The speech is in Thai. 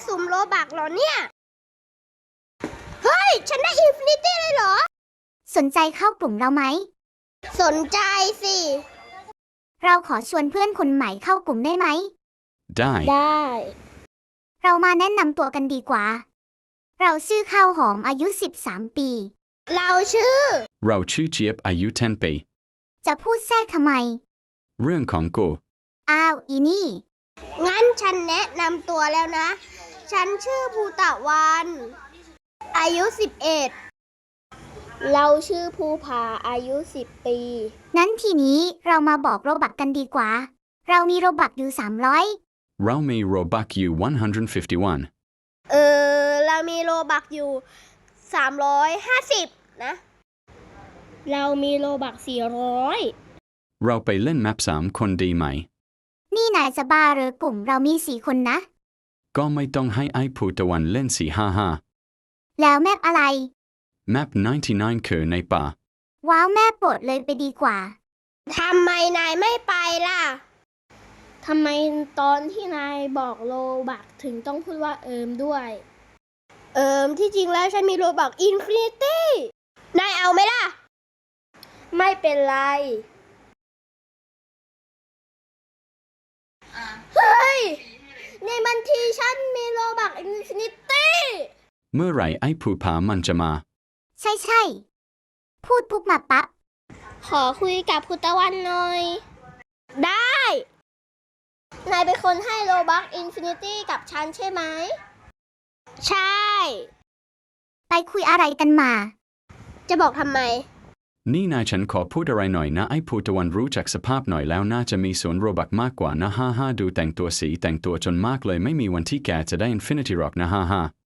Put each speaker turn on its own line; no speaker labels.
สุ่มโลบักเหรอเนี่ย เฮ้ย ฉันได้อินฟินิตี้เลยเหรอ
สนใจเข้ากลุ่มเราไหม
สนใจสิ
เราขอชวนเพื่อนคนใหม่เข้ากลุ่มได้ไหม
ได้
ได้
เรามาแนะนำตัวกันดีกว่า เราชื่อข้าวหอมอายุ 13 ปี
เราชื่อ
เราชื่อเจี๊ยบอายุ10 ปี
จะพูดแทรกทำไม
เรื่องของกู
อ้าว อีนี่
งั้นฉันแนะนำตัวแล้วนะ ฉันชื่อภูตะวัน อายุ 11 เราชื่อภูผาอายุ 10 ปี
นั้นทีนี้เรามาบอกโรบักกันดีกว่า เรามีโรบักอยู่ 300
เรามีโรบักอยู่151
เรามีโลบักอยู่ 350 นะ เรามีโลบัก 400
เราไปเล่นแมป3 คนดีไหม
นี่นายจะบ้าเหรอกลุ่มเรามี 4 คนนะ
ก็ไม่ต้องให้ไอ้ภูตะวันเล่น455
แล้วแมปอะไร
แมป99คือในป่า
ว้าวแม่โปรดเลยไปดีกว่า
ทำไมนายไม่ไปล่ะ ทำไมตอนที่นายบอกโลบักถึงต้องพูดว่าด้วย ที่จริงแล้วฉันมีโลบักอินฟินิตี้ นายเอาไหมล่ะ ไม่เป็นไร เฮ้ย ในบัญชีฉันมีโลบักอินฟินิตี้
เมื่อไหร่ไอ้ภูผามันจะมา
ใช่ พูดปุ๊บมาปั๊บ
ขอคุยกับคุณตะวันหน่อย ได้ นายเป็นคนให้โลบักอินฟินิตี้กับฉันใช่ไหม ใช่
ไปคุยอะไรกันมา
จะบอกทำไม
นี่นายฉันขอพูดอะไรหน่อยนะไอ้ภูตะวันรู้จักสภาพหน่อยแล้วน่าจะมีส่วนโรบักมากกว่านะดูแต่งตัวจนมากเลยไม่มีวันที่แกจะได้อินฟินิตี้หรอกนะ